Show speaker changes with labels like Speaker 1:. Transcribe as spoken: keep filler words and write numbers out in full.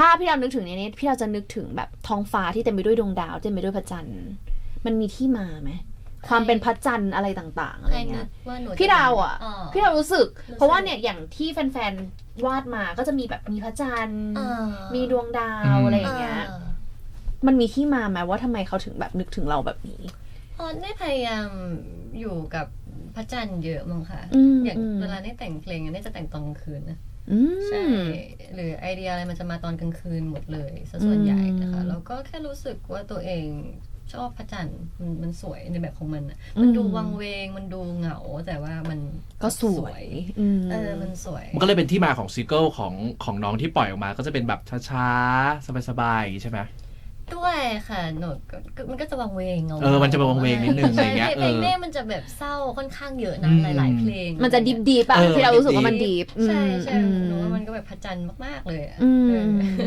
Speaker 1: ถ้าพี่เรานึกถึงในนี้พี่เราจะนึกถึงแบบท้องฟ้าที่เต็มไปด้วยดวงดาวเต็มไปด้วยพระจันทร์มันมีที่มาไหมความเป็นพระจันทร์อะไรต่างๆอะไรเงี้ยพี่ดาวอ่ะพี่เรารู้สึกเพราะว่าเนี่ยอย่างที่แฟนๆวาดมาก็จะมีแบบมีพระจันทร์มีดวงดาวอะไรอย่างเงี้ยมันมีที่มาไหมว่าทำไมเขาถึงแบบนึกถึงเราแบบนี้
Speaker 2: อ๋อได้พยายามอยู่กับพระจันทร์เยอะมั้งค่ะอย่างเวลาได้แต่งเพลงเนี่ยจะแต่งตอนกลางคืนนะใช่หรือไอเดียอะไรมันจะมาตอนกลางคืนหมดเลยซะส่วนใหญ่นะคะแล้วก็แค่รู้สึกว่าตัวเองชอบพระจันทร์มันมันสวยในแบบของมันอ่ะมันดูวังเวงมันดูเหงาแต่ว่ามัน
Speaker 1: ก็สวย
Speaker 2: เออมันสวย
Speaker 3: มันก็เลยเป็นที่มาของซิงเกิลของของน้องที่ปล่อยออกมาก็จะเป็นแบบช้าๆสบายๆใช่ไหม
Speaker 2: ด้วยค่ะหนูมันก็จะวังเวง
Speaker 3: เออมันจะวังเวงนิดนึงอะไรเงี้ย
Speaker 2: เพลงแม่มันจะแบบเศร้าค่อนข้างเยอะนะหลายๆเพลง
Speaker 1: มันจะดิบๆอ่ะที่เรารู้สึกว่ามันดิบ
Speaker 2: ใช่ใช่หนูว่ามันก็แบบพระจันทร์มากๆเลย